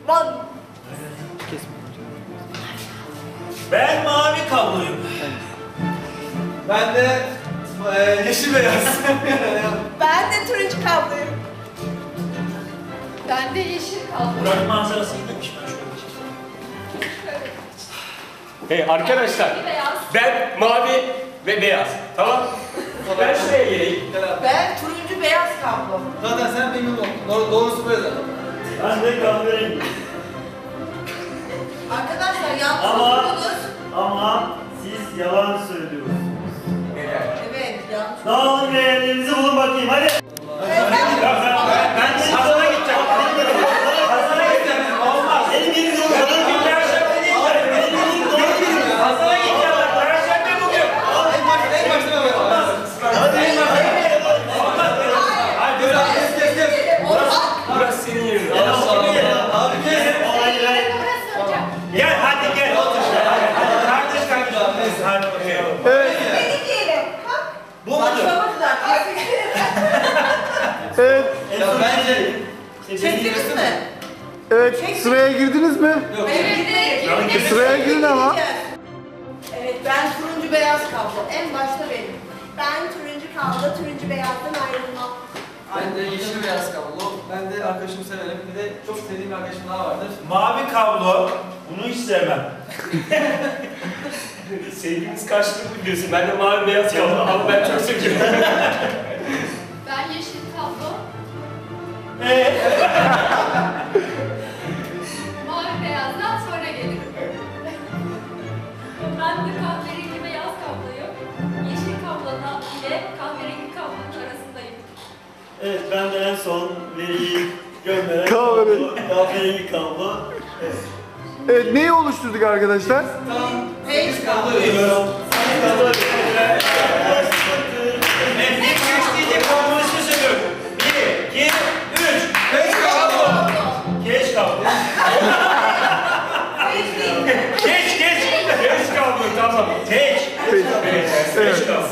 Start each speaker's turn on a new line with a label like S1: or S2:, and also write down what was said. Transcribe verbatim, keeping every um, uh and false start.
S1: One.
S2: Ben mavi kabluyum.
S3: Ben de e, yeşil beyaz.
S1: Ben de turuncu kabluyum.
S4: Ben de yeşil kaldım.
S2: Burak manzarası iyiymiş ben şöyle geçeyim.
S5: Hey arkadaşlar,
S4: Beyaz.
S5: ben mavi ve beyaz. Tamam? Ben şuraya geleyim.
S1: Ben turuncu beyaz kablo.
S3: Zaten sen memnun oldun. Doğru, doğrusu böyle zaten.
S2: Ben de kahverengi.
S1: Arkadaşlar yanlış
S2: Ama-
S1: okudunuz.
S2: Ama siz yalan söylüyorsunuz.
S1: Evet yanlış.
S2: Dağılın ve yerlerinizi bulun bakayım hadi.
S1: Evet, ben-
S2: Ya ben, ben, ben Hasan'a gideceğim. Hasan'a gideceğim. Olmaz. Benim yerim yok. Benim yerim Perşembe değil. Benim yerim yok. Hasan'a gideceğim ben. Perşembe bugün.
S3: En başta, en başta böyle.
S2: Hadi en başta.
S3: Hadi böyle kes kes kes.
S5: Burası senin yerin.
S3: Abi kes.
S2: Hayır hayır.
S4: Burası hocam.
S2: Gel hadi gel. Hadi hadi kardeş kardeş.
S3: Neyse.
S2: Hadi bakalım.
S1: Benim diyelim. Ha?
S2: Bu mudur?
S1: Başlamadılar.
S3: Ya bence
S1: Çektiniz mi?
S6: Evet, sıraya girdiniz mi?
S3: yok.
S4: Evet, evet.
S6: Sıraya girin ama.
S1: Evet ben turuncu beyaz kablo. En başta benim. Ben turuncu kablo, turuncu beyazdan ayrılmam.
S3: Ben de yeşil beyaz kablo. Ben de arkadaşımı severim. Bir de çok sevdiğim bir arkadaşım daha vardır.
S2: Mavi kablo. Bunu hiç sevmem.
S5: Sevgimiz karşılıklı biliyorsun. Ben de mavi beyaz kaldım ama ben çok seviyorum.
S4: Ben yeşil kablo.
S2: Eee?
S4: Mavi beyazdan sonra gelirim. Ben de kahverengi beyaz kabloyum. Yeşil kablodan ile kahverengi kablonun arasındayım.
S2: Evet ben de en son veriyi gönderen
S6: Kahverengi.
S2: kablo, kahverengi kablo.
S6: Evet, neyi oluşturduk arkadaşlar?
S3: Tamam.
S1: Beş
S3: Biz
S1: kablo.
S3: kabloluyuz.
S2: Kablo. Evet, ilk üç diyecek kablo ismi söylüyorum. Bir, iki, üç.
S3: Beş kablo.
S2: Geç kablo. Geç, geç.
S5: Geç kablo tamam.
S2: Geç.
S6: Peki.
S2: Geç
S6: Evet,
S2: kablo.